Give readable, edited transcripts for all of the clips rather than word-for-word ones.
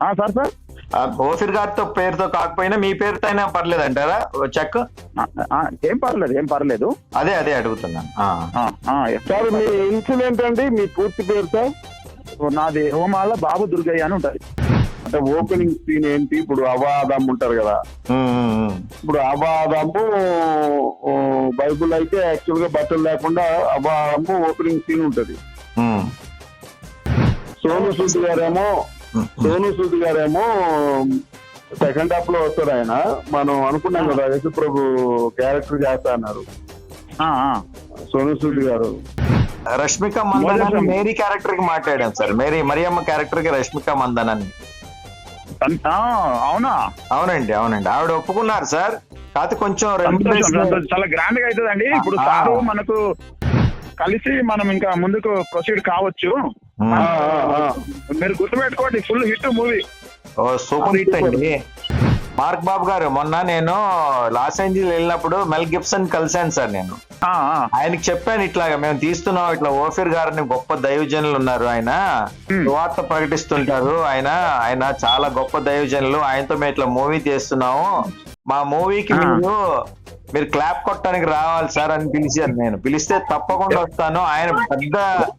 Sir sir ఓఫీర్ గారితో పేరుతో కాకపోయినా మీ పేరుతో అయినా పర్లేదు అంటారా చెక్? ఏం పర్లేదు, ఏం పర్లేదు. అదే అదే అడుగుతున్నాను. సార్ మీ ఇన్సిడెంట్ అండి, మీ పూర్తి పేరు సార్? నాది హోమాల బాబు దుర్గయ్య అని ఉంటది. అంటే ఓపెనింగ్ సీన్ ఏంటి? ఇప్పుడు అవాదం ఉంటారు కదా, ఇప్పుడు అవాదము బైబుల్ అయితే యాక్చువల్ గా బట్టలు లేకుండా అవాదము ఓపెనింగ్ సీన్ ఉంటది. సోను సూద్ గారేమో సెకండ్ హాఫ్ లో వస్తారు. ఆయన మనం అనుకున్నాం కదా యేసు ప్రభు క్యారెక్టర్ చేస్తా అన్నారు సోను సూద్ గారు. రష్మిక మందన్ మేరీ క్యారెక్టర్ కి మాట్లాడాను సార్. మరియమ్మ క్యారెక్టర్ కి రష్మిక మందన్ అని. అవునా? అవునండి అవునండి, ఆవిడ ఒప్పుకున్నారు సార్. కాకపోతే కొంచెం చాలా గ్రాండ్ గా అవుతుందండి. ఇప్పుడు సారు మనకు కలిసి మనం ఇంకా ముందుకు ప్రొసీడ్ కావచ్చు. మీరు గుర్తుపెట్టుకోండి, ఫుల్ హిట్ మూవీ. ఓ సూపర్ హిట్ అండి. మార్క్ బాబు గారు, మొన్న నేను లాస్ ఏంజల్స్ వెళ్ళినప్పుడు మెల్ గిబ్సన్ కలిశాను సార్. నేను ఆయనకి చెప్పాను, ఇట్లాగా మేము తీస్తున్నాం, ఇట్లా ఓఫీర్ గారిని గొప్ప దైవజనులు ఉన్నారు, ఆయన సువార్త ప్రకటిస్తుంటారు, ఆయన చాలా గొప్ప దైవజనులు, ఆయనతో మేము ఇట్లా మూవీ తీస్తున్నాము, మా మూవీకి మీరు క్లాప్ కొట్టడానికి రావాలి సార్ అని పిలిచారు. నేను పిలిస్తే తప్పకుండా వస్తాను. ఆయన పెద్ద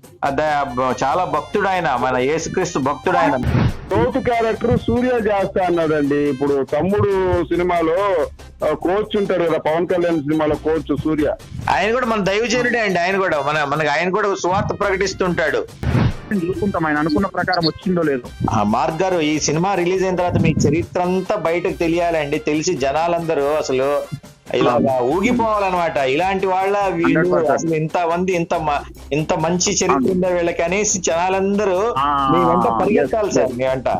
చాలా భక్తుడు, ఆయన మన యేసుక్రీస్తు భక్తుడు. ఆయన కోచ్ క్యారెక్టర్ సూర్య చేస్తా అన్నాడండి. ఇప్పుడు తమ్ముడు సినిమాలో కోచ్ ఉంటాడు కదా, పవన్ కళ్యాణ్ సినిమాలో కోచ్ సూర్య, ఆయన కూడా మన దైవజనుడే అండి. ఆయన కూడా సువార్త ప్రకటిస్తుంటాడు. చూసుకుంటాం ఆయన అనుకున్న ప్రకారం వచ్చిందో లేదో. మార్క్ గారు, ఈ సినిమా రిలీజ్ అయిన తర్వాత మీ చరిత్ర అంతా బయటకు తెలియాలండి. తెలిసి జనాలందరూ అసలు ఇలా ఊగిపోవాలన్నమాట. ఇలాంటి వాళ్ళ వీళ్ళు అసలు ఇంత మంచి చరిత్ర ఉందా వీళ్ళకి అనేసి జనాలందరూ మీ వెంట పరిగెత్తాలి సార్. మీ వెంట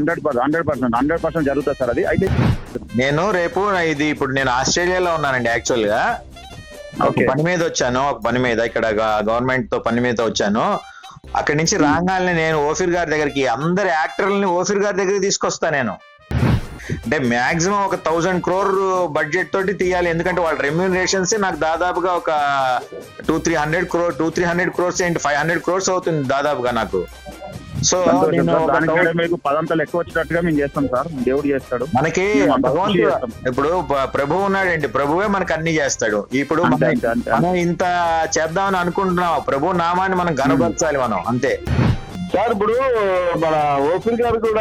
100% జరుగుతుంది సార్. అది అయితే నేను రేపు ఇప్పుడు నేను ఆస్ట్రేలియాలో ఉన్నానండి. యాక్చువల్ గా ఒక పని మీద వచ్చాను, ఇక్కడ గవర్నమెంట్ తో పని మీద వచ్చాను. అక్కడి నుంచి రాగానే నేను ఓఫీర్ గారి దగ్గరికి, అందరి యాక్టర్లని ఓఫీర్ గారి దగ్గరికి తీసుకొస్తా. నేను అంటే మాక్సిమం ఒక 1000 crore బడ్జెట్ తోటి తీయాలి. ఎందుకంటే వాళ్ళ రెమ్యూనరేషన్స్ నాకు దాదాపుగా ఒక 200-300 crores ఏంటి 500 crores అవుతుంది దాదాపుగా నాకు. సో మీకు పదంతలు ఎక్కువ వచ్చినట్టుగా మేము చేస్తాం సార్. దేవుడు చేస్తాడు మనకి. ఇప్పుడు ప్రభు ఉన్నాడండి, ప్రభువే మనకు అన్ని చేస్తాడు. ఇప్పుడు మనం ఇంత చేద్దామని అనుకుంటున్నాం, ప్రభు నామాన్ని మనం గనపరచాలి మనం, అంతే సార్. ఇప్పుడు మన ఓఫీర్ గారు కూడా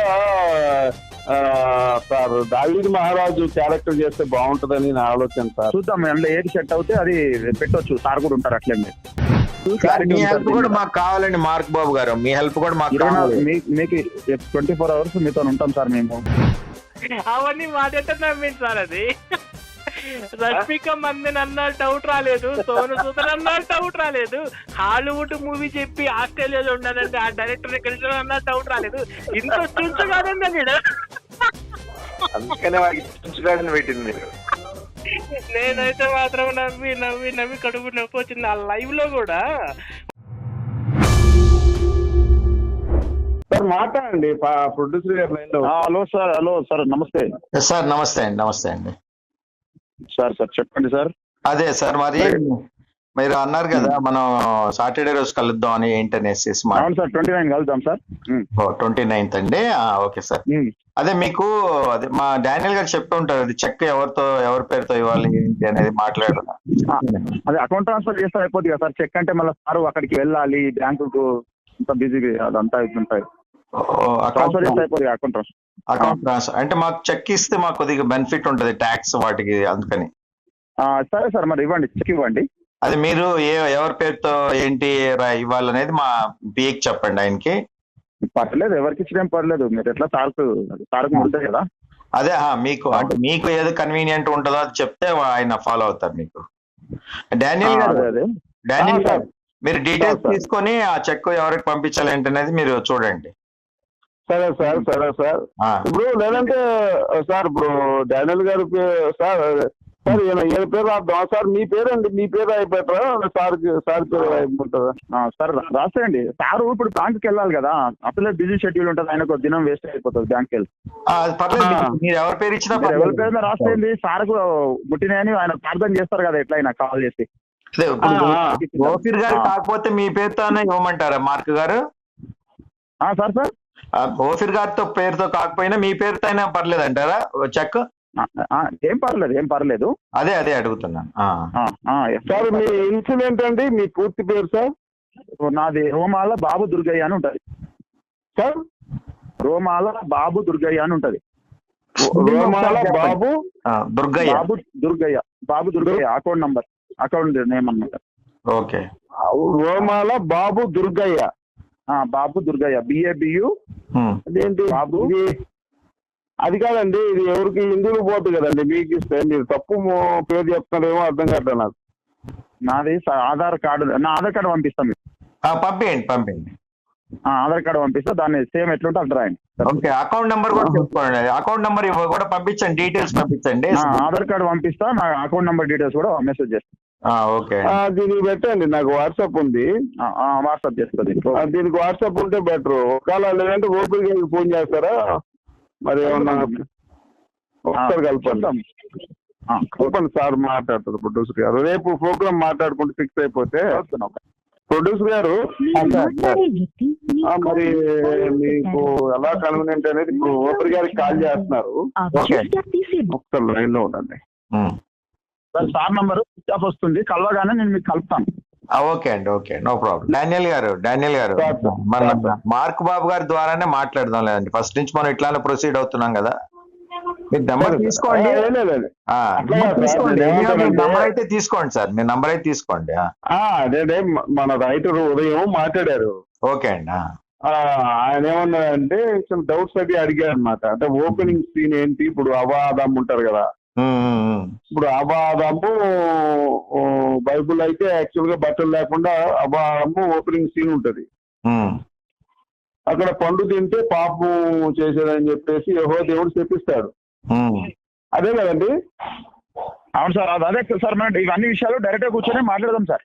సార్ దావీదు మహారాజు క్యారెక్టర్ చేస్తే బాగుంటదని నా ఆలోచన సార్. చూద్దాం, అందులో ఏది సెట్ అవుతే అది పెట్టొచ్చు. సార్ కూడా ఉంటారు అట్లే. మీ హెల్ప్ కూడా మాకు కావాలండి మార్క్ బాబు గారు, మీ హెల్ప్ కూడా మాకు కావాలి. మీకు 24 hours మీతో ఉంటాం సార్ మేము. అవన్నీ మాట్లాడితే నమ్మింది సార్. అది రష్మిక మందన్ అన్న డౌట్ రాలేదు, సోను సూద్ అన్న డౌట్ రాలేదు, హాలీవుడ్ మూవీ చెప్పి ఆస్ట్రేలియాలో ఉన్నానంటే ఆ డైరెక్టర్ కలిసి అన్న డౌట్ రాలేదు. ఇంత చూసు కాదండి నేను. అందుకనే వాడికి పెట్టింది. నేనైతే మాత్రం నవ్వి కడుపు నొప్పి వచ్చింది ఆ లైవ్ లో కూడా. సార్ మాట్లాడండి, ప్రొడ్యూసర్ గారు లైన్ లో. Hello sir namaste sir. Namaste అండి సార్. చెప్పండి సార్. అదే సార్, మరి మీరు అన్నారు కదా మనం సాటర్డే రోజు కలుద్దాం అని, ఏంటనేసి. అవును సార్, 29 కలుద్దాం సార్. 29th అండి. Okay sir. అదే మీకు అదే మా డానియల్ గారు చెప్పి ఉంటారు, అది చెక్ ఎవరి పేరుతో ఇవ్వాలి ఏంటి అనేది మాట్లాడారు. అదే అకౌంట్ ట్రాన్స్ఫర్ చేస్తే అయిపోతుంది కదా సార్. చెక్ అంటే మళ్ళీ సార్ అక్కడికి వెళ్ళాలి, బ్యాంకుకు అంత బిజీ, అదంతా ఇట్లుంటాయి. ట్రాన్స్ఫర్ చేస్తే అయిపోతుంది అకౌంట్ ట్రాన్స్ఫర్. అంటే మాకు చెక్ ఇస్తే మాకు కొద్దిగా బెనిఫిట్ ఉంటుంది ట్యాక్స్ వాటికి, అందుకని. సరే సార్, మరి ఇవ్వండి, చెక్ ఇవ్వండి. అది మీరు ఎవరి పేరుతో ఏంటి ఇవ్వాలనేది మా పిఏకి చెప్పండి, ఆయనకి. పర్లేదు, ఎవరికి ఇచ్చినేం పర్లేదు. మీరు ఎట్లా సార్కు ఉంటుంది కదా. అదే మీకు అంటే మీకు ఏదో కన్వీనియంట్ ఉంటుందో అది చెప్తే ఆయన ఫాలో అవుతారు మీకు. డానియల్ గారు మీరు డీటెయిల్స్ తీసుకొని ఆ చెక్ ఎవరికి పంపించాలి ఏంటనేది మీరు చూడండి. సరే సార్. ఇప్పుడు లేదంటే సార్, ఇప్పుడు డానియల్ గారు సార్ ఏ పేరు రాద్దాం సార్? మీ పేరండి, మీ పేరు అయిపోతారా సార్ పేరు అయిపోతుందా? సార్ రాసేయండి. సారు ఇప్పుడు బ్యాంక్కి వెళ్ళాలి కదా, అసలే బిజీ షెడ్యూల్ ఉంటుంది, ఆయనకు దినం వేస్ట్ అయిపోతుంది బ్యాంక్కి వెళ్ళి. ఎవరి పేరు ఇచ్చినా ఎవరి పేరు రాసేయండి. సార్కు ముట్టినాయని ఆయన ప్రార్థన చేస్తారు కదా ఎట్లయినా కాల్ చేసి. ఓఫీర్ గారు కాకపోతే మీ పేరుతోనే ఇవ్వమంటారా మార్క్ గారు? సార్ ఓఫీర్ గారితో పేరుతో కాకపోయినా మీ పేరుతో అయినా పర్లేదు అంటారా చెక్? ఏం పర్లేదు. అదే అడుగుతున్నాను. సార్ మీ ఇన్సిడెంట్ అండి, మీ పూర్తి పేరు సార్? నాది రోమాల బాబు దుర్గయ్య అని ఉంటది సార్. రోమాల బాబు దుర్గయ్య అని ఉంటది. రోమాల బాబు దుర్గయ్య అకౌంట్ నేమ్ అన్నమాట. ఓకే. రోమాల బాబు దుర్గయ్య. బాబు దుర్గయ్య BABU. అదేంటి బాబు? అది కాదండి, ఇది ఎవరికి హిందువులు పోతుంది కదండి, మీకు ఇస్తే మీరు తప్పు పేరు చెప్తున్నారేమో అర్థం కాదు నాకు. నాది ఆధార్ కార్డు పంపిస్తాను. పంపించండి. ఆధార్ కార్డు పంపిస్తా, దాన్ని సేమ్ ఎట్లుంటే అట్లా రాయండి. ఓకే. అకౌంట్ నెంబర్ కూడా చెప్పుకోండి. అకౌంట్ నెంబర్ కూడా పంపించండి, డీటెయిల్స్ పంపించండి. ఆధార్ కార్డు పంపిస్తా, నా అకౌంట్ నెంబర్ డీటెయిల్స్ కూడా మెసేజ్ చేస్తాను. ఓకే. దీనికి పెట్టండి, నాకు వాట్సాప్ ఉంది. వాట్సాప్ చేస్తుంది. దీనికి వాట్సాప్ ఉంటే బెటర్. ఒకవేళ లేదంటే ఓపీ గారికి ఫోన్ చేస్తారా మరి? ఏమన్నా ఒకసారి కలపండి సార్, మాట్లాడతారు ప్రొడ్యూసర్ గారు. రేపు ప్రోగ్రామ్ మాట్లాడుకుంటూ ఫిక్స్ అయిపోతే. ప్రొడ్యూసర్ గారు మరి మీకు ఎలా కన్వీనియంట్ అనేది ఇప్పుడు ఓపీ గారికి కాల్ చేస్తున్నారు. ఒకసారి లైన్ లో ఉండండి. సార్ నంబర్ స్విచ్ ఆఫ్ వస్తుంది, కలవగానే నేను మీకు కలుపుతాను. ఓకే అండి, ఓకే, నో ప్రాబ్లం. డానియల్ గారు మన మార్క్ బాబు గారి ద్వారానే మాట్లాడదాం. లేదండి, ఫస్ట్ నుంచి మనం ఇట్లానే ప్రొసీడ్ అవుతున్నాం కదా. మీరు నెంబర్ తీసుకోండి. నెంబర్ అయితే తీసుకోండి సార్, మీ నెంబర్ అయితే తీసుకోండి. అదే మన రైటర్ ఉదయం మాట్లాడారు. ఓకే అండి. ఆయన ఏమన్నారంటే కొంచెం డౌట్స్ అది అడిగారు అనమాట. అంటే ఓపెనింగ్ సీన్ ఏంటి, ఇప్పుడు అవాదం ఉంటారు కదా, ఇప్పుడు అబాదము బైబుల్ అయితే యాక్చువల్ గా బట్టలు లేకుండా అబాదము ఓపెనింగ్ సీన్ ఉంటది. అక్కడ పండు తింటే పాపం చేసేదని చెప్పేసి యెహోవా దేవుడు చెప్పిస్తాడు. అదే కదండి? అవును సార్, అదే సార్. మనం ఇవన్నీ విషయాలు డైరెక్ట్ గా కూర్చొని మాట్లాడదాం సార్.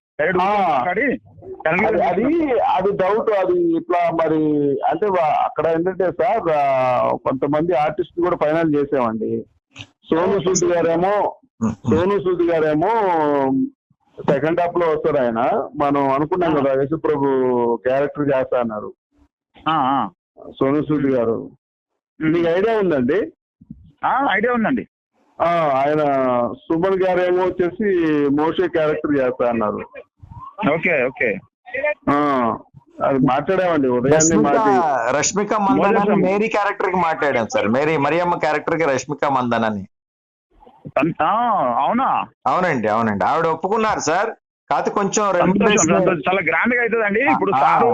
అది డౌట్. అది ఇట్లా మరి అంటే అక్కడ ఏంటంటే సార్, కొంతమంది ఆర్టిస్ట్ కూడా ఫైనల్ చేసామండి. సోను సూద్ గారేమో సెకండ్ హాఫ్ లో వస్తారు. ఆయన మనం అనుకున్నాం కదా యేసు ప్రభు క్యారెక్టర్ చేస్తా అన్నారు సోను సూద్ గారు. మీకు ఐడియా ఉందండి? ఐడియా ఉందండి. ఆయన సుమన్ గారేమో వచ్చేసి మోషే క్యారెక్టర్ చేస్తా అన్నారు. Okay okay. అది మాట్లాడామండి ఉదయాన్నే. రష్మిక మందన మేరీ క్యారెక్టర్ కి మాట్లాడాం సార్. మరియమ్మ క్యారెక్టర్ కి రష్మిక మందన్ అని. అవునా? అవునండి. ఆవిడ ఒప్పుకున్నారు సార్. కాకపోతే కొంచెం చాలా గ్రాండ్ గా అవుతుందండి. ఇప్పుడు సారు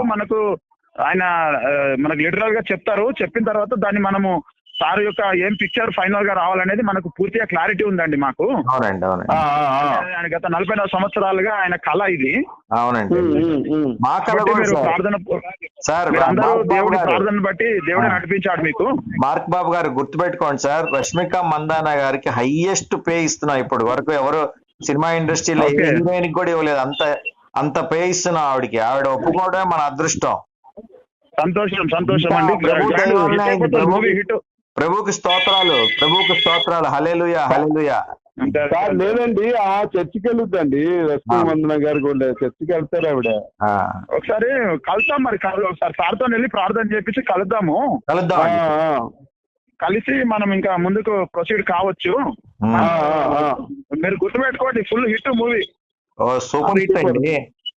మనకు లిటరల్ గా చెప్తారు. చెప్పిన తర్వాత దాన్ని మనము సార్ యొక్క ఏం పిక్చర్ ఫైనల్ గా రావాలనేది మనకు పూర్తిగా క్లారిటీ ఉందండి మాకు. అవునండి. ఆయన గత 44 సంవత్సరాలుగా ఆయన కళ ఇది. అవునండి. మా కళ ప్రార్థన సార్, దేవుడి ప్రార్థన బట్టి దేవుడే నడిపించాడు మీకు. మార్క్ బాబు గారు గుర్తుపెట్టుకోండి సార్, రష్మిక మందాన గారికి హైయెస్ట్ పే ఇస్తున్నాం ఇప్పటి వరకు. ఎవరు సినిమా ఇండస్ట్రీలో హీరోయిన్ కూడా ఇవ్వలేదు అంత పే ఇస్తున్నాం ఆవిడకి. ఆవిడ ఒప్పుకోవడమే మన అదృష్టం. సంతోషం అండి. ప్రభుకి స్తోత్రాలు. హల్లెలూయా. లేదండి, చర్చికి వెళ్ళొద్దండి. రష్మిక మందన గారు కూడా చర్చికి వెళ్తారు ఆవిడ. ఒకసారి కలుద్దాం మరి. ఒకసారి సార్తో వెళ్ళి ప్రార్థన చేపించి కలుద్దాం. కలిసి మనం ఇంకా ముందుకు ప్రొసీడ్ కావచ్చు. మీరు గుర్తుపెట్టుకోండి, full hit movie. Super hit అండి.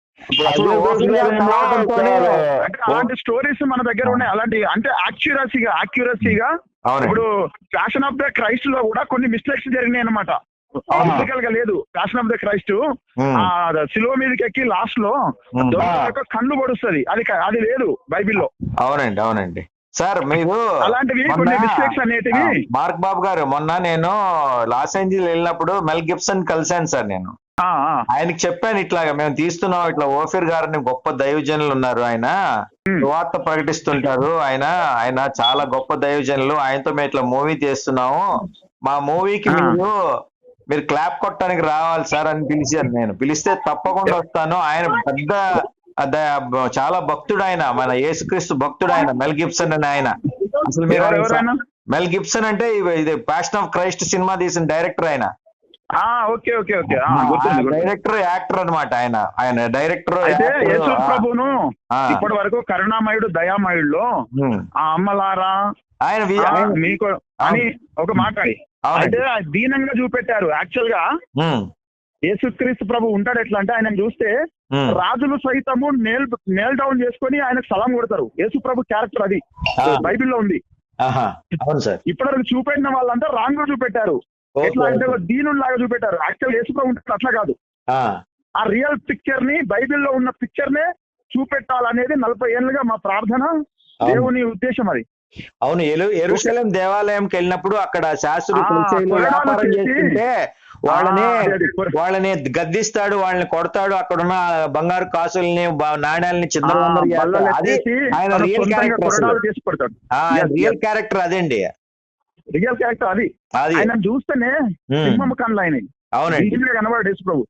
అలాంటి స్టోరీస్ మన దగ్గర ఉన్నాయి. అలాంటి అంటే యాక్యురసీగా ఇప్పుడు ప్యాషన్ ఆఫ్ ద క్రైస్ట్ లో కూడా కొన్ని మిస్టేక్స్ జరిగినాయి అనమాట. ఫిజికల్ గా లేదు. ప్యాషన్ ఆఫ్ ద క్రైస్ట్ సిలువ మీదకి ఎక్కి లాస్ట్ లో కళ్ళు పొడుస్తుంది. అది లేదు బైబిల్లో. అవునండి సార్. మీరు అలాంటివి కొన్ని మిస్టేక్స్ అనేటివి. మార్క్ బాబు గారు, మొన్న నేను లాస్ ఏంజల్స్ వెళ్ళినప్పుడు మెల్ గిబ్సన్ కలిశాను సార్. నేను ఆయనకి చెప్పాను ఇట్లాగా మేము తీస్తున్నాం, ఇట్లా ఓఫీర్ గారిని గొప్ప దైవజనులు ఉన్నారు, ఆయన సువార్త ప్రకటిస్తుంటారు, ఆయన చాలా గొప్ప దైవజనులు, ఆయనతో మేము ఇట్లా మూవీ తీస్తున్నాము, మా మూవీకి మీరు క్లాప్ కొట్టడానికి రావాలి సార్ అని పిలిచాను. నేను పిలిస్తే తప్పకుండా వస్తాను. ఆయన పెద్ద చాలా భక్తుడు, ఆయన మన యేసుక్రీస్తు భక్తుడు, ఆయన మెల్ గిబ్సన్ అని. ఆయన అసలు మీరు మెల్ గిబ్సన్ అంటే ఇది ప్యాషన్ ఆఫ్ క్రైస్ట్ సినిమా తీసిన డైరెక్టర్ ఆయన. ఓకే ఓకే ఓకే గుర్తుంది. డైరెక్టర్ యాక్టర్ అన్నమాట ఆయన డైరెక్టర్. అయితే యేసు ప్రభును ఇప్పటి వరకు కరుణామయుడు దయామయుడులో ఆ అమ్మలారా ఆయన మీకు అని ఒక మాట్లాడి అయితే దీనంగా చూపెట్టారు. యాక్చువల్ గా యేసుక్రీస్తు ప్రభు ఉంటాడు ఎట్లా అంటే ఆయన చూస్తే రాజులు సైతము నేల్ డౌన్ చేసుకొని ఆయనకు సలాం కొడతారు. యేసు ప్రభు క్యారెక్టర్ అది బైబిల్లో ఉంది. ఇప్పటివరకు చూపెట్టిన వాళ్ళంతా రాంగ్ గా చూపెట్టారు. ఎట్లా అంటే దీనుడు లాగా చూపెట్టారు. యాక్చువల్ యేసు ప్రభు ఉంటాడు అట్లా కాదు. ఆ రియల్ పిక్చర్ ని బైబిల్లో ఉన్న పిక్చర్ నే చూపెట్టాలనేది 40 ఏళ్ళుగా మా ప్రార్థన, దేవుని ఉద్దేశం అది. అవును, యెరూషలేం దేవాలయంకి వెళ్ళినప్పుడు అక్కడ శాస్త్రులు వ్యాపారం చేస్తుంటే వాళ్ళని గద్దిస్తాడు, వాళ్ళని కొడతాడు, అక్కడున్న బంగారు కాసుల్ని నాణ్యాలని చిందరవందర. ఆయన రియల్ క్యారెక్టర్ అదండి, రియల్ క్యారెక్టర్ అది. ఆయన చూస్తేనే సింహం కళ్ళు ఆయన. అవునండి, కనబడు యేసు ప్రభు.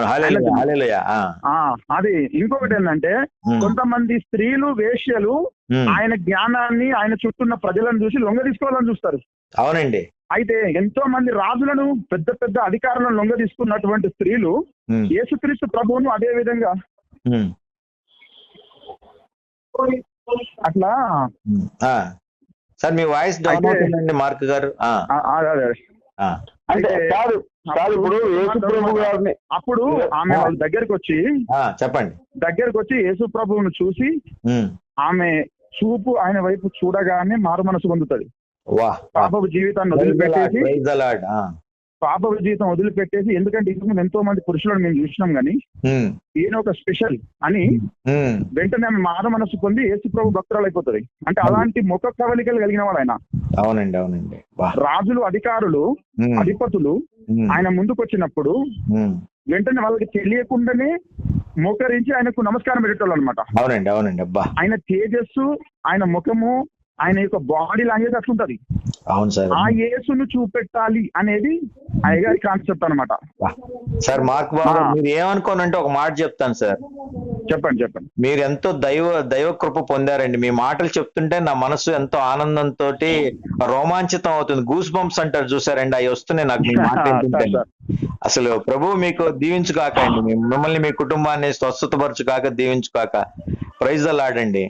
అది ఇంకొకటి ఏంటంటే కొంతమంది స్త్రీలు వేశ్యలు ఆయన జ్ఞానాన్ని ఆయన చుట్టూన్న ప్రజలను చూసి లొంగ తీసుకోవాలని చూస్తారు. అవునండి. అయితే ఎంతో మంది రాజులను పెద్ద పెద్ద అధికారులను లొంగ తీసుకున్నటువంటి స్త్రీలు యేసుక్రీస్తు ప్రభువును అదే విధంగా అట్లా. సార్ మీ వాయిస్ డౌన్ అవుతుందండి మార్క్ గారు. అంటే ఇప్పుడు యేసు ప్రభు గారిని అప్పుడు ఆమె వాళ్ళ దగ్గరికి వచ్చి చెప్పండి, దగ్గరకు వచ్చి యేసు ప్రభువును చూసి ఆమె చూపు ఆయన వైపు చూడగానే మారు మనసు పొందుతుంది. పాపపు జీవితాన్ని వదిలిపెట్టేసి పాపపు జీవితం వదిలిపెట్టేసి, ఎందుకంటే ఇంతకుముందు ఎంతో మంది పురుషులను మేము చూసినాం గానీ ఈయన ఒక స్పెషల్ అని వెంటనే ఆమె మారు మనసు పొంది యేసు ప్రభు భక్తురాలు అయిపోతుంది. అంటే అలాంటి ముఖ కవలికలు కలిగిన వాడు ఆయన. అవునండి, అవునండి. రాజులు, అధికారులు, అధిపతులు ఆయన ముందుకు వచ్చినప్పుడు వెంటనే వాళ్ళకి తెలియకుండానే మోకరించి ఆయనకు నమస్కారం పెట్టేటోళ్ళు అనమాట. అవునండి, అవునండి. ఆయన తేజస్సు, ఆయన ముఖము, ఆయన యొక్క బాడీ లాంగ్వేజ్ అట్లుంటది. అవును సార్, ఆ యేసును చూపెట్టాలి అనేది అయ్యగారి కాన్సెప్ట్ అనమాట. సార్ మార్క్ బాబు, మీరు ఏమనుకోనంటే ఒక మాట చెప్తాను సార్. చెప్పండి చెప్పండి. మీరు ఎంతో దైవ కృప పొందారండి. మీ మాటలు చెప్తుంటే నా మనసు ఎంతో ఆనందంతో రోమాంచితం అవుతుంది. గూస్ బంప్స్ అంటారు చూసారండి, అవి వస్తున్నాయి నాకు మీ మాట వింటుంటే. అసలు ప్రభు మీకు దీవించుగాక అండి, మిమ్మల్ని మీ కుటుంబాన్ని స్వస్థతపరచుగాక, దీవించుగాక. ప్రైజ్ ద లార్డ్ అండి.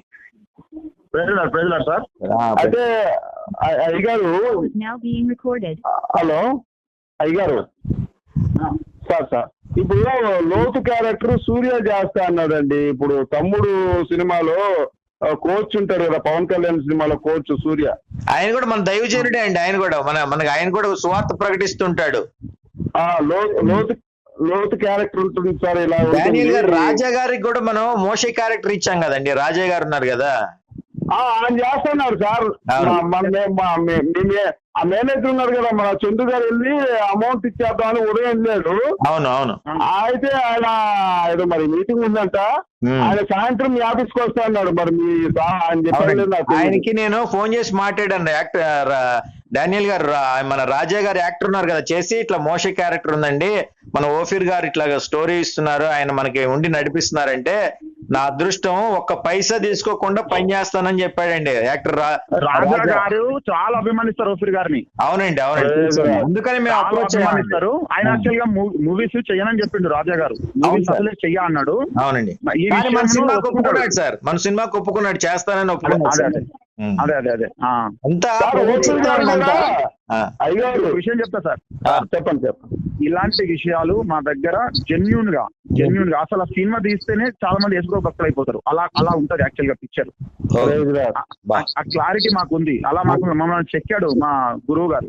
అయితే అయ్యగారు, హలో అయ్యగారు, సార్ ఇప్పుడు లోతు క్యారెక్టర్ సూర్య చేస్తా అన్నాడండి. ఇప్పుడు తమ్ముడు సినిమాలో కోచ్ ఉంటారు కదా, పవన్ కళ్యాణ్ సినిమాలో కోచ్ సూర్య, ఆయన కూడా మన దైవజనుడే అండి. ఆయన కూడా మనకి ఆయన కూడా సువార్త ప్రకటిస్తుంటాడు. లోతు క్యారెక్టర్ ఉంటుంది సార్. ఇలా డానియల్ గారు, రాజా గారికి కూడా మనం మోషే క్యారెక్టర్ ఇచ్చాం కదండి. రాజా గారు ఉన్నారు కదా, ఆయన చేస్తున్నారు సార్. ఆ మేనేజర్ ఉన్నారు కదా మన చందు గారు, వెళ్ళి అమౌంట్ ఇచ్చేద్దామని ఉదయం వెళ్ళాడు. అవును అవును. అయితే ఆయన ఏదో మరి మీటింగ్ ఉందంట, ఆయన సాయంత్రం మీ ఆఫీస్కి వస్తా అన్నాడు. మరి మీ ఆయన చెప్పారు. ఆయనకి నేను ఫోన్ చేసి మాట్లాడాను. యాక్టర్ డానియల్ గారు, మన రాజా గారు యాక్టర్ ఉన్నారు కదా, చేసి ఇట్లా మోషే క్యారెక్టర్ ఉందండి, మన ఓఫీర్ గారు ఇట్లా స్టోరీ ఇస్తున్నారు, ఆయన మనకి ఉండి నడిపిస్తున్నారంటే నా అదృష్టం, ఒక్క పైసా తీసుకోకుండా పని చేస్తానని చెప్పాడండి యాక్టర్ రాజా గారు. చాలా అభిమానిస్తారు ఓఫీర్ గారిని. అవునండి, అవునండి. అందుకని మేము అప్రోచ్ అభిమానిస్తారు. ఆయన యాక్చువల్ గా మూవీస్ చెయ్యనని చెప్పిండు రాజా గారు. మూవీస్ అసలే చెయ్య అన్నాడు. అవునండి, మన సినిమాకి ఒప్పుకున్నాడు సార్. మన సినిమాకి ఒప్పుకున్నాడు, చేస్తానని ఒప్పుకున్నాడు. అదే అదే అదే అంతా విషయం చెప్తా సార్. చెప్పండి. ఇలాంటి విషయాలు మా దగ్గర జెన్యూన్ గా అసలు ఆ సినిమా తీస్తేనే చాలా మంది యేసు భక్తులు అయిపోతారు. అలా ఉంటది యాక్చువల్ గా పిక్చర్. ఆ క్లారిటీ మాకు ఉంది. అలా మమ్మల్ని చెక్కాడు మా గురువు గారు.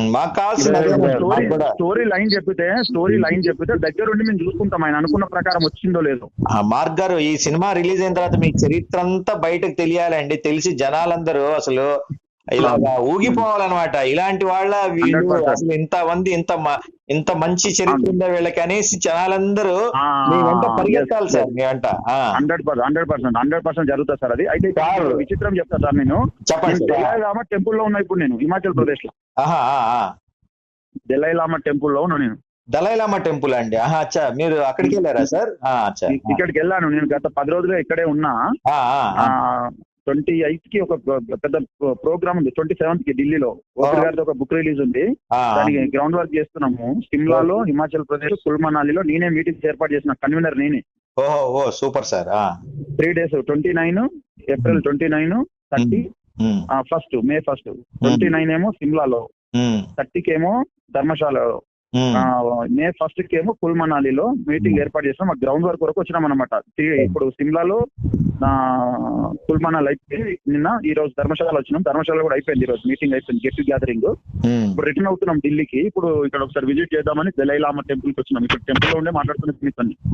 స్టోరీ లైన్ చెప్పితే దగ్గరుండి మేము చూసుకుంటాం, ఆయన అనుకున్న ప్రకారం వచ్చిందో లేదో. మార్క్ గారు, ఈ సినిమా రిలీజ్ అయిన తర్వాత మీ చరిత్ర అంతా బయటకు తెలియాలండి. తెలిసి జనాలందరూ అసలు ఇలా ఊగిపోవాలన్నమాట. ఇలాంటి వాళ్ళ వీళ్ళు అసలు ఇంత మంచి చరిత్ర ఉందా వీళ్ళకి అనేసి జనాలందరూ మీ వెంట పరిగెత్తాలి సార్. మీ వెంట 100% జరుగుతుంది సార్. అది అయితే విచిత్రం చెప్తా సార్. నేను చెప్పండి. దలైలామా టెంపుల్ లో ఉన్నా ఇప్పుడు నేను హిమాచల్ ప్రదేశ్ లో. దలైలామా టెంపుల్ లో ఉన్నా నేను. దలైలామా టెంపుల్ అండి. అచ్చా, మీరు అక్కడికి వెళ్ళారా సార్? ఇక్కడికి వెళ్ళాను నేను. గత 10 రోజులుగా ఇక్కడే ఉన్నా. 28th కి ఒక పెద్ద ప్రోగ్రామ్ ఉంది, 27th కి ఢిల్లీలో ఓఫీర్ గారితో ఒక బుక్ రిలీజ్ ఉంది. దానికి గ్రౌండ్ వర్క్ చేస్తున్నాము. సిమ్లాలో, హిమాచల్ ప్రదేశ్, కుల్ మనాలిలో నేనే మీటింగ్స్ ఏర్పాటు చేసిన కన్వీనర్ నేనే. ఓహో super sir. 3 days, 29 April, 29, 30, first May 1, 29 ఏమో సిమ్లాలో, 30కి ఏమో ధర్మశాలలో, మే 1st కి ఏమో కుల్ మనాలిలో మీటింగ్ ఏర్పాటు చేస్తాం. మాకు గ్రౌండ్ వర్క్ వరకు వచ్చినాం అనమాట. ఇప్పుడు సిమ్లాలో, కుల్ మనాలి అయిపోయి నిన్న, ఈ రోజు ధర్మశాల వచ్చినాం. ధర్మశాల కూడా అయిపోయింది, ఈ రోజు మీటింగ్ అయిపోయింది, గెట్ గ్యాదరింగ్. ఇప్పుడు రిటర్న్ అవుతున్నాం ఢిల్లీకి. ఇప్పుడు ఇక్కడ ఒకసారి విజిట్ చేద్దామని దలై లామా టెంపుల్ కి వచ్చినాం. ఇక్కడ టెంపుల్ లో ఉండే మాట్లాడుతున్న స్మిత్ అని.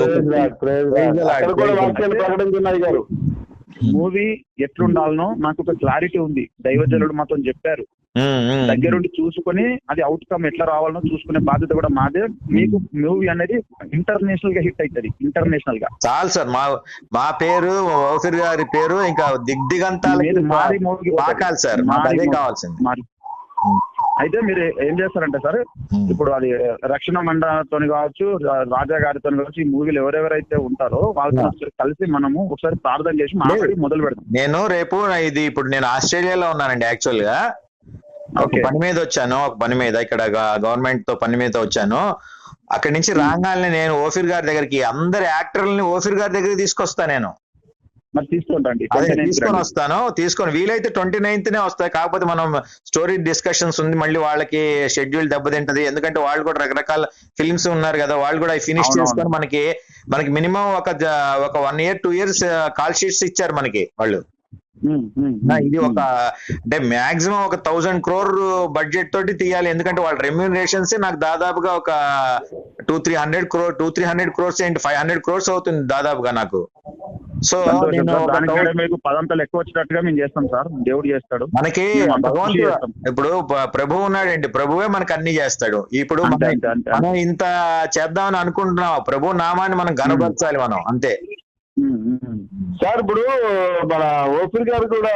మూవీ ఎట్లుండాలనో నాకు ఒక క్లారిటీ ఉంది. దైవజనుడు మాతో చెప్పారు, దగ్గరుండి చూసుకుని అది అవుట్కమ్ ఎట్లా రావాలనో చూసుకునే బాధ్యత కూడా మాదే. మీకు మూవీ అనేది ఇంటర్నేషనల్ గా హిట్ అవుతుంది, ఇంటర్నేషనల్ గా. చాలు సార్, మా పేరు, ఓఫీర్ గారి పేరు ఇంకా దిగ్దిగంతాలు మారి మూవీ సార్, అదే కావాల్సింది. అయితే మీరు ఏం చేస్తారంటే సార్, ఇప్పుడు అది రక్షణ మండలితో కావచ్చు, రాజా గారితో కావచ్చు, ఈ మూవీలు ఎవరెవరైతే ఉంటారో వాళ్ళతో కలిసి మనము ఒకసారి ప్రార్థన చేసి మాట్లాడి మొదలు పెడతాం. నేను రేపు ఇది ఇప్పుడు నేను ఆస్ట్రేలియాలో ఉన్నానండి. యాక్చువల్ గా ఒక పని మీద వచ్చాను, ఒక పని మీద ఇక్కడ గవర్నమెంట్ తో పని మీద వచ్చాను. అక్కడి నుంచి రాగానే నేను ఓఫీర్ గారి దగ్గరికి, అందరి యాక్టర్లని ఓఫీర్ గారి దగ్గరికి తీసుకొస్తాను. నేను తీసుకొని వస్తాను. తీసుకొని వీలైతే 29th వస్తాయి. కాకపోతే మనం స్టోరీ డిస్కషన్స్ ఉంది, మళ్ళీ వాళ్ళకి షెడ్యూల్ దెబ్బతింటది. ఎందుకంటే వాళ్ళు కూడా రకరకాల ఫిల్మ్స్ ఉన్నారు కదా, వాళ్ళు కూడా ఫినిష్ చేసుకొని మనకి మినిమం ఒక 1 year 2 years కాల్ షీట్స్ ఇచ్చారు మనకి వాళ్ళు. ఇది ఒక అంటే మాక్సిమం ఒక 1000 crore బడ్జెట్ తోటి తీయాలి. ఎందుకంటే వాళ్ళ రెమ్యూనరేషన్స్ నాకు దాదాపుగా ఒక 200-300 crores ఏంటి 500 crores అవుతుంది దాదాపుగా నాకు. సో మీకు పదంతలు ఎక్కువ వచ్చినట్టుగా మేము చేస్తాం సార్, దేవుడు చేస్తాడు మనకి. ఇప్పుడు ప్రభు ఉన్నాడండి, ప్రభువే మనకు అన్ని చేస్తాడు. ఇప్పుడు మనం ఇంత చేద్దామని అనుకుంటున్నాం, ప్రభు నామాన్ని మనం గనపరచాలి మనం, అంతే సార్. ఇప్పుడు మన ఓఫీర్ గారు కూడా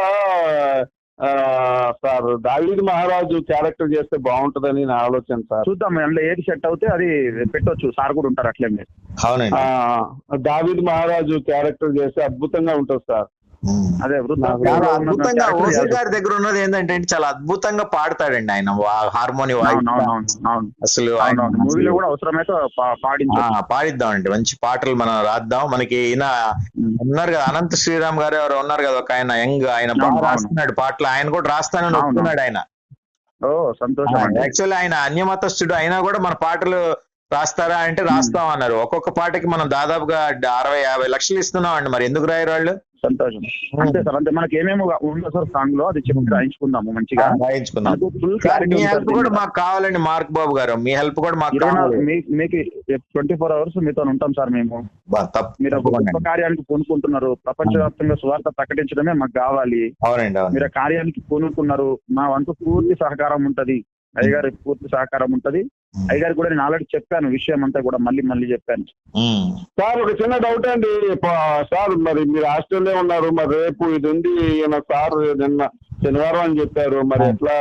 సార్ దావీదు మహారాజు క్యారెక్టర్ చేస్తే బాగుంటదని నా ఆలోచన సార్. చూద్దాం అందులో ఏది సెట్ అవుతే అది పెట్టొచ్చు, సార్ కూడా ఉంటారు అట్లే. అవునండి, దావీదు మహారాజు క్యారెక్టర్ చేస్తే అద్భుతంగా ఉంటుంది సార్. అదే అద్భుతంగా ఓఫీర్ గారి దగ్గర ఉన్నది ఏంటంటే చాలా అద్భుతంగా పాడతాడండి ఆయన, హార్మోని వాయిస్. అసలు మూవీలో కూడా అవసరమైతే పాడిద్దామండి, మంచి పాటలు మనం రాద్దాం. మనకి ఈయన ఉన్నారు కదా, అనంత శ్రీరామ్ గారు ఎవరు ఉన్నారు కదా, ఒక ఆయన యంగ్, ఆయన బాగా రాస్తున్నాడు పాటలు. ఆయన కూడా రాస్తానని ఒప్పుకున్నాడు ఆయన. యాక్చువల్లీ ఆయన అన్యమతస్థుడు అయినా కూడా మన పాటలు రాస్తారా అంటే రాస్తాం అన్నారు. ఒక్కొక్క పాటకి మనం దాదాపుగా 60-50 లక్షలు ఇస్తున్నాం అండి. మరి ఎందుకు రాయరు వాళ్ళు? సంతోషం. అంతే సార్, అంతే. మనకి ఏమేమి ఉందో సార్ సాంగ్ లో అది చెప్పి రాయించుకుందాము, మంచిగా రాయించుకుందాం. మీ హెల్ప్ కూడా మాకు కావాలండి మార్క్ బాబు గారు, మీ హెల్ప్ కూడా మాకు కావాలి. మీకు 24 hours మీతో ఉంటాం సార్ మేము. మీరు గొప్ప కార్యానికి పూనుకుంటున్నారు, ప్రపంచవ్యాప్తంగా సువార్త ప్రకటించడమే మాకు కావాలి. అవునండి, మీరు ఆ కార్యానికి పూనుకున్నారు, మా వంతు పూర్తి సహకారం ఉంటది, అయ్యగారి పూర్తి సహకారం ఉంటది. అయ్యగారు కూడా నేను ఆల్రెడీ చెప్పాను విషయం అంతా కూడా, మళ్ళీ చెప్పాను. సార్ ఒక చిన్న డౌట్ అండి సార్, మరి మీరు ఆస్ట్రేలియా ఉన్నారు, మరి రేపు ఇది ఉంది ఈయన సార్ నిన్న శనివారం అని చెప్పారు, మరి ఎట్లా?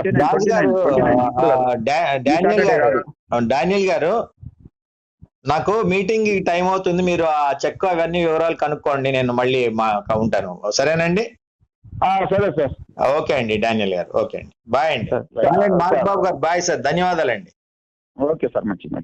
డానియల్ గారు, నాకు మీటింగ్ టైం అవుతుంది, మీరు ఆ చెక్ అవన్నీ వివరాలు కనుక్కోండి, నేను మళ్ళీ ఉంటాను. సరేనండి? సరే సార్. ఓకే అండి డానియల్ గారు, ఓకే అండి, బాయ్ అండి. Mark Babu garu bye sir, ధన్యవాదాలండి. ఓకే సార్, మంచి